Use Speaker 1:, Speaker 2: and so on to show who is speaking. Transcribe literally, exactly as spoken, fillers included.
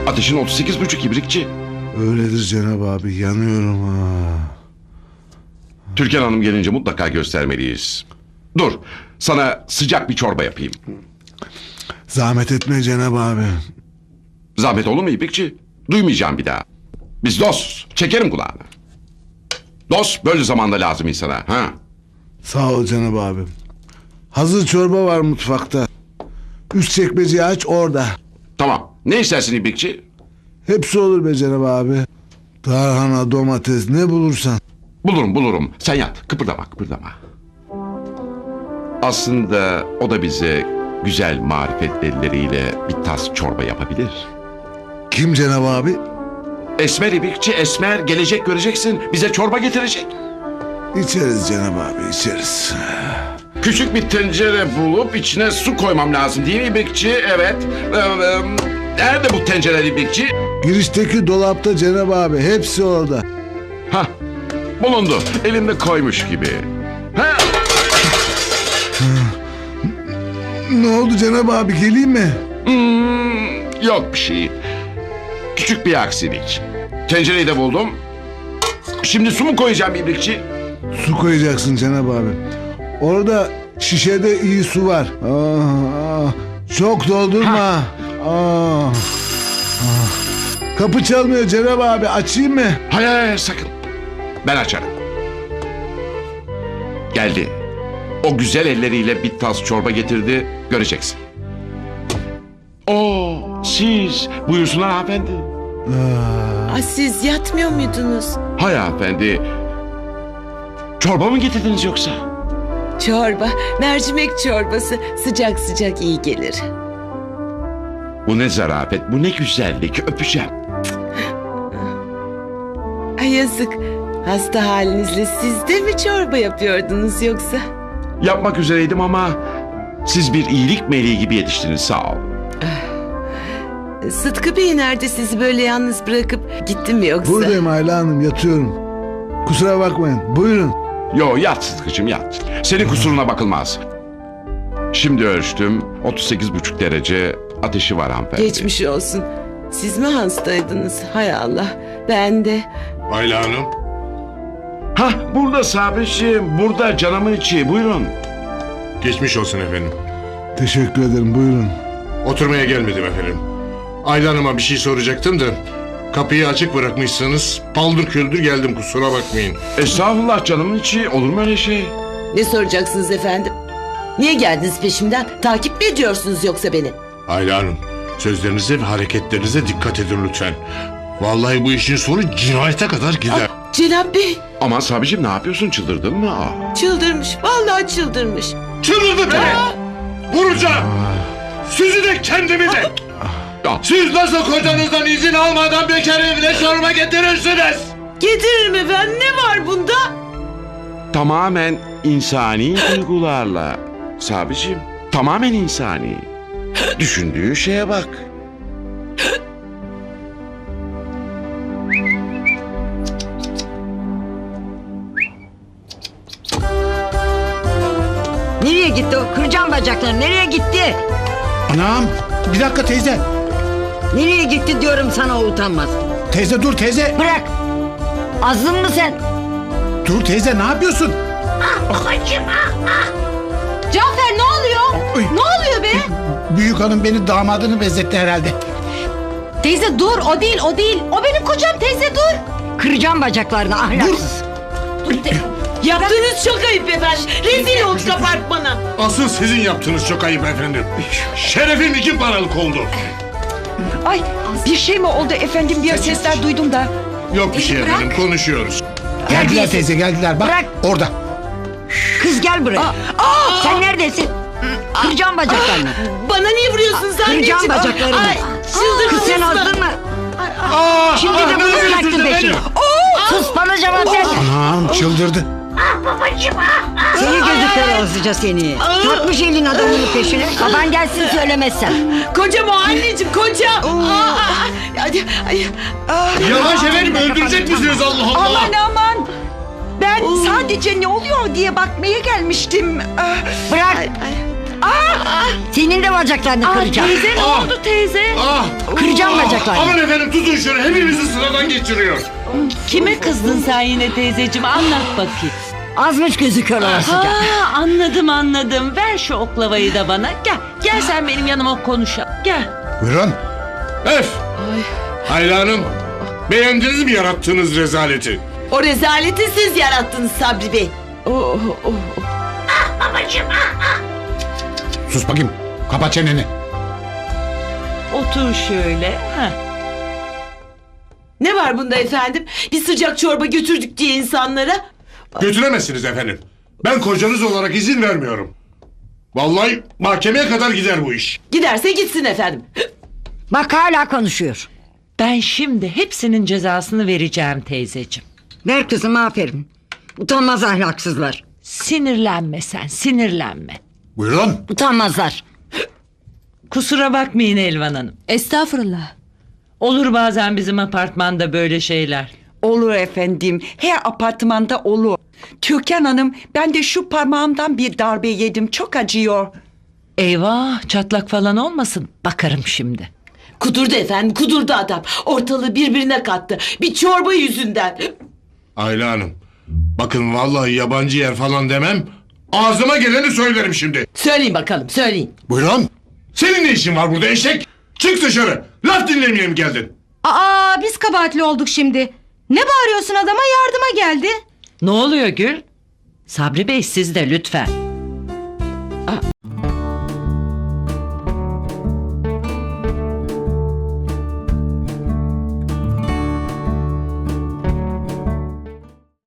Speaker 1: Ateşin otuz sekiz buçuk ibrikçi.
Speaker 2: Öyledir Cenab abi, yanıyorum ha.
Speaker 1: Türkan Hanım gelince mutlaka göstermeliyiz. Dur, sana sıcak bir çorba yapayım.
Speaker 2: Zahmet etme Cenab abi.
Speaker 1: Zahmet olur mu İbrikçi? Duymayacağım bir daha. Biz dostuz, çekerim kulağını. Dost böyle zamanda lazım insana. Ha?
Speaker 2: Sağ ol Cenab abi. Hazır çorba var mutfakta. Üst çekmeceyi aç, orada.
Speaker 1: Tamam, ne istersin İbrikçi?
Speaker 2: Hepsi olur be Cenab abi. Tarhana, domates, ne bulursan.
Speaker 1: Bulurum bulurum, sen yat, kıpırdama kıpırdama. Aslında o da bize güzel marifet elleriyle bir tas çorba yapabilir.
Speaker 2: Kim Cenab abi?
Speaker 1: Esmer İbrikçi, Esmer gelecek, göreceksin, bize çorba getirecek.
Speaker 2: İçeriz Cenab abi, içeriz.
Speaker 1: Küçük bir tencere bulup içine su koymam lazım değil mi İbrikçi? Evet. Ee, e, nerede bu tencere İbrikçi?
Speaker 2: Girişteki dolapta Cenab abi, hepsi orada.
Speaker 1: Hah, bulundu, elimde koymuş gibi. Ha?
Speaker 2: Ne oldu Cenab abi, geleyim mi?
Speaker 1: Hmm, yok bir şey. Küçük bir aksilik. Tencereyi de buldum. Şimdi su mu koyacağım İbrikçi?
Speaker 2: Su koyacaksın Cenab abi. Orada şişede iyi su var. Aa, aa. Çok doldurma. Aa, aa. Kapı çalmıyor Cenab abi, açayım mı?
Speaker 1: Hayır hayır sakın. Ben açarım. Geldi. O güzel elleriyle bir tas çorba getirdi. Göreceksin. Oo, siz buyursunlar hanımefendi.
Speaker 3: Aa, siz yatmıyor muydunuz?
Speaker 1: Hayır hanımefendi. Çorba mı getirdiniz yoksa?
Speaker 3: Çorba, mercimek çorbası sıcak sıcak iyi gelir.
Speaker 1: Bu ne zarafet, bu ne güzellik, öpeceğim.
Speaker 3: Ay yazık, hasta halinizle siz de mi çorba yapıyordunuz yoksa?
Speaker 1: Yapmak üzereydim ama siz bir iyilik meleği gibi yetiştiniz, sağ ol.
Speaker 3: Sıtkı Bey nerede, sizi böyle yalnız bırakıp gitti mi yoksa?
Speaker 2: Buradayım Ayla Hanım, yatıyorum. Kusura bakmayın, buyurun.
Speaker 1: Yo, yat Sıtkı'cığım yat. Senin kusuruna bakılmaz. Şimdi ölçtüm, otuz sekiz buçuk derece ateşi var hanımefendi.
Speaker 3: Geçmiş olsun. Siz mi hastaydınız? Hay Allah, ben de.
Speaker 4: Ayla Hanım.
Speaker 1: Hah, burada Sabri'ciğim, burada canımın içi, buyurun.
Speaker 4: Geçmiş olsun efendim.
Speaker 2: Teşekkür ederim, buyurun.
Speaker 4: Oturmaya gelmedim efendim. Ayla Hanım'a bir şey soracaktım da kapıyı açık bırakmışsınız. Paldır küldür geldim, kusura bakmayın.
Speaker 1: Estağfurullah canımın içi, olur mu öyle şey?
Speaker 3: Ne soracaksınız efendim? Niye geldiniz peşimden? Takip mi ediyorsunuz yoksa beni?
Speaker 4: Ayla Hanım, sözlerinize ve hareketlerinize dikkat edin lütfen. Vallahi bu işin sonu cinayete kadar gider.
Speaker 3: Ah, Cenab Bey,
Speaker 1: Aman Sabri'ciğim, ne yapıyorsun, çıldırdın mı? Aa.
Speaker 3: çıldırmış, vallahi çıldırmış.
Speaker 4: Çıldırdı beni. Vuracağım. Sizi de kendimi de.
Speaker 1: Ya,
Speaker 4: Siz nasıl kocanızdan izin almadan bekar evine çorba getirirsiniz?
Speaker 3: Getirir mi ben? Ne var bunda?
Speaker 1: tamamen insani duygularla. Sabri'ciğim, tamamen insani. Düşündüğün şeye bak.
Speaker 5: Nereye gitti o? Kıracağım bacaklarını. Nereye gitti?
Speaker 6: Anam, bir dakika teyze.
Speaker 5: Nereye gitti diyorum sana, o utanmaz.
Speaker 6: Teyze dur teyze.
Speaker 5: Bırak. Azdın mı sen?
Speaker 6: Dur teyze, ne yapıyorsun?
Speaker 7: Cafer ne oluyor?
Speaker 6: Oy.
Speaker 7: Ne oluyor be?
Speaker 6: Büyük hanım beni damadını benzetti herhalde.
Speaker 7: Teyze dur, o değil o değil. O benim kocam, teyze dur.
Speaker 5: Kıracağım bacaklarını ahlaksız.
Speaker 7: Dur te-
Speaker 3: Yaptığınız çok ayıp efendim. Rezil olduk apartmana.
Speaker 4: Asıl sizin yaptığınız çok ayıp efendim. Şerefim iki paralık oldu.
Speaker 8: Ay, bir şey mi oldu efendim, bir sesler duydum da.
Speaker 4: Yok bir şey efendim, konuşuyoruz.
Speaker 6: Geldiler
Speaker 5: Terbiyesiz.
Speaker 6: teyze, geldiler. Bak
Speaker 5: Bırak.
Speaker 6: orada.
Speaker 5: Kız gel buraya. Sen neredesin? Kıracağım bacaklarını.
Speaker 3: Bana niye vuruyorsunuz anneciğim?
Speaker 5: Kıracağım bacaklarını.
Speaker 3: Ay, çıldırdınız
Speaker 5: Kız sen
Speaker 3: mı?
Speaker 5: azdın mı?
Speaker 4: Aa,
Speaker 5: Şimdi de bunu bıraktın peşine. Sus, bana cevap ver.
Speaker 6: Anam çıldırdı.
Speaker 5: Seni gözükler azıca seni. Takmış elin adamının peşine. Baban gelsin söylemezsen.
Speaker 3: Kocam o anneciğim, kocam. Aa, ay, ay, ay.
Speaker 4: Yavaş efendim, öldürecek misiniz Allah Allah?
Speaker 8: Aman aman. Ben sadece ne oluyor diye bakmaya gelmiştim. Ah,
Speaker 5: Bırak.
Speaker 3: Ay, ay.
Speaker 5: Senin de bacaklarını
Speaker 8: Aa,
Speaker 5: kıracağım.
Speaker 8: teyze ne
Speaker 4: Ah!
Speaker 8: oldu teyze?
Speaker 4: Ah!
Speaker 5: Kıracağım
Speaker 4: Ah!
Speaker 5: bacaklarını.
Speaker 4: Aman efendim tutun şunu hepimizi sıradan geçiriyor.
Speaker 8: Kime kızdın sen yine teyzeciğim anlat bakayım.
Speaker 5: Azmış gözü kör olasıca.
Speaker 8: Ha anladım anladım. Ver şu oklavayı da bana. Gel gel sen benim yanıma konuşalım. Gel.
Speaker 6: Buyurun.
Speaker 4: Öf! Ayla Hanım beğendiniz mi yarattığınız rezaleti?
Speaker 3: O rezaleti siz yarattınız Sabri Bey.
Speaker 8: Oh, oh.
Speaker 6: Sus bakayım. Kapat çeneni.
Speaker 8: Otur şöyle. Ha.
Speaker 3: Ne var bunda efendim? Bir sıcak çorba götürdük diye insanlara.
Speaker 4: Götüremezsiniz efendim. Ben kocanız olarak izin vermiyorum. Vallahi mahkemeye kadar gider bu iş.
Speaker 3: Giderse gitsin efendim.
Speaker 5: Bak hala konuşuyor.
Speaker 8: Ben şimdi hepsinin cezasını vereceğim teyzeciğim.
Speaker 5: Ver kızım aferin. Utanmaz ahlaksızlar.
Speaker 8: Sinirlenme sen sinirlenme.
Speaker 6: Buyurun.
Speaker 5: Utanmazlar.
Speaker 8: Kusura bakmayın Elvan Hanım.
Speaker 7: Estağfurullah.
Speaker 8: Olur bazen bizim apartmanda böyle şeyler.
Speaker 9: Olur efendim. Her apartmanda olur. Türkan Hanım ben de şu parmağımdan bir darbe yedim. Çok acıyor.
Speaker 8: Eyvah çatlak falan olmasın. Bakarım şimdi.
Speaker 3: Kudurdu efendim, kudurdu adam. Ortalığı birbirine kattı. Bir çorba yüzünden.
Speaker 4: Ayla Hanım bakın vallahi yabancı yer falan demem. Ağzıma geleni söylerim şimdi.
Speaker 3: Söyleyin bakalım, söyleyin.
Speaker 6: Buyurun.
Speaker 4: Senin ne işin var burada eşek? Çık dışarı. Laf dinlemeye mi geldin?
Speaker 7: Aa biz kabahatli olduk şimdi. Ne bağırıyorsun adama yardıma geldi.
Speaker 8: Ne oluyor Gül? Sabri Bey siz de lütfen.